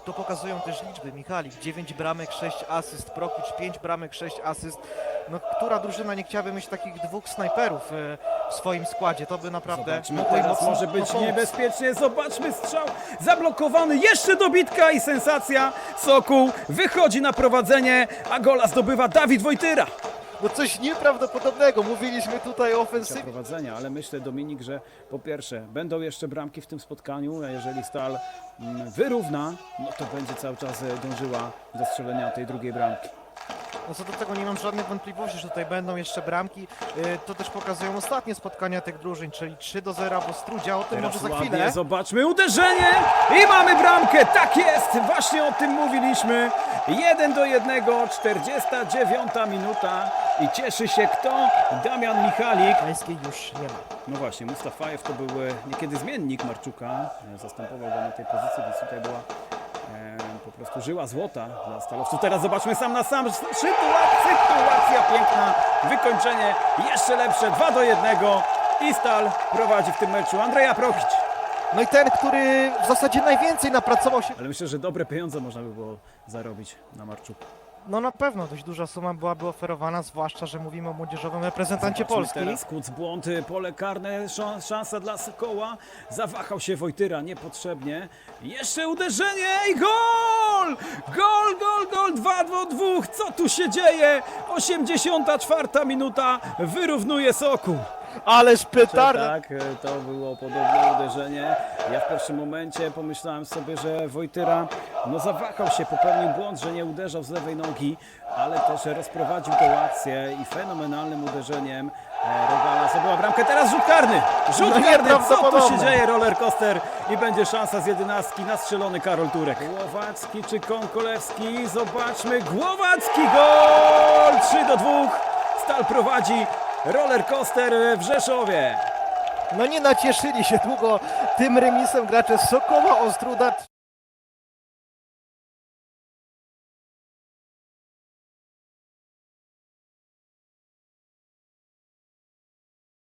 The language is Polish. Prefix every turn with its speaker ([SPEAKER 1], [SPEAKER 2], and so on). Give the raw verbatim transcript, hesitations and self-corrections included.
[SPEAKER 1] to pokazują też liczby. Michalik, dziewięć bramek, sześć asyst, Prokicz, pięć bramek, sześć asyst. No, która drużyna nie chciałaby mieć takich dwóch snajperów e, w swoim składzie? To by naprawdę
[SPEAKER 2] Zobaczmy,
[SPEAKER 1] mogło im
[SPEAKER 2] teraz
[SPEAKER 1] mocno
[SPEAKER 2] może być
[SPEAKER 1] pomóc.
[SPEAKER 2] niebezpiecznie. Zobaczmy strzał zablokowany. Jeszcze dobitka i sensacja. Sokół wychodzi na prowadzenie, a gola zdobywa Dawid Wojtyra.
[SPEAKER 1] No coś nieprawdopodobnego. Mówiliśmy tutaj o
[SPEAKER 2] Za
[SPEAKER 1] ofensywie.
[SPEAKER 2] prowadzenia, ale myślę, Dominik, że po pierwsze będą jeszcze bramki w tym spotkaniu, a jeżeli Stal mm, wyrówna, no to będzie cały czas e, dążyła do strzelenia tej drugiej bramki.
[SPEAKER 1] No co do tego nie mam żadnych wątpliwości, że tutaj będą jeszcze bramki. Y, To też pokazują ostatnie spotkania tych drużyn, czyli trzy do zera w Ostródzie, o tym
[SPEAKER 2] Teraz
[SPEAKER 1] może za
[SPEAKER 2] ładnie,
[SPEAKER 1] chwilę.
[SPEAKER 2] zobaczmy uderzenie i mamy bramkę, tak jest, właśnie o tym mówiliśmy. jeden do jednego, czterdziesta dziewiąta minuta i cieszy się kto? Damian Michalik.
[SPEAKER 1] Pańskiej już nie ma.
[SPEAKER 2] No właśnie, Mustafajew to był e, niekiedy zmiennik Marczuka, e, zastępował go na tej pozycji, więc tutaj była e, po prostu żyła złota dla stalowców. Teraz zobaczmy sam na sam, sytuacja, sytuacja piękna, wykończenie jeszcze lepsze, dwa do jednego i Stal prowadzi w tym meczu Andrzeja Prokicz.
[SPEAKER 1] No i ten, który w zasadzie najwięcej napracował się.
[SPEAKER 2] Ale myślę, że dobre pieniądze można by było zarobić na Marczuku.
[SPEAKER 1] No na pewno dość duża suma byłaby oferowana, zwłaszcza, że mówimy o młodzieżowym reprezentancie
[SPEAKER 2] Zobaczmy
[SPEAKER 1] Polski.
[SPEAKER 2] Teraz Kuc błąd, pole karne, szans- szansa dla Sokoła. Zawahał się Wojtyra niepotrzebnie. Jeszcze uderzenie i gol! Gol, gol, gol, dwa do dwóch. Co tu się dzieje? osiemdziesiąta czwarta minuta, wyrównuje Sokół.
[SPEAKER 1] Ależ petarda!
[SPEAKER 2] Tak, to było podobne uderzenie. Ja w pierwszym momencie pomyślałem sobie, że Wojtyra no zawahał się, popełnił błąd, że nie uderzał z lewej nogi, ale też rozprowadził tę akcję i fenomenalnym uderzeniem e, Rogala zdobyła bramkę. Teraz rzut karny! Rzut
[SPEAKER 1] No
[SPEAKER 2] karny! Co tu się
[SPEAKER 1] nieprawdopodobne.
[SPEAKER 2] dzieje? Roller coaster i będzie szansa z jedenastki na strzelony Karol Turek. Głowacki czy Konkolewski? Zobaczmy. Głowacki gol! trzy do dwóch. Stal prowadzi. Roller coaster w Rzeszowie.
[SPEAKER 1] No nie nacieszyli się długo tym remisem gracze Sokoła Ostróda.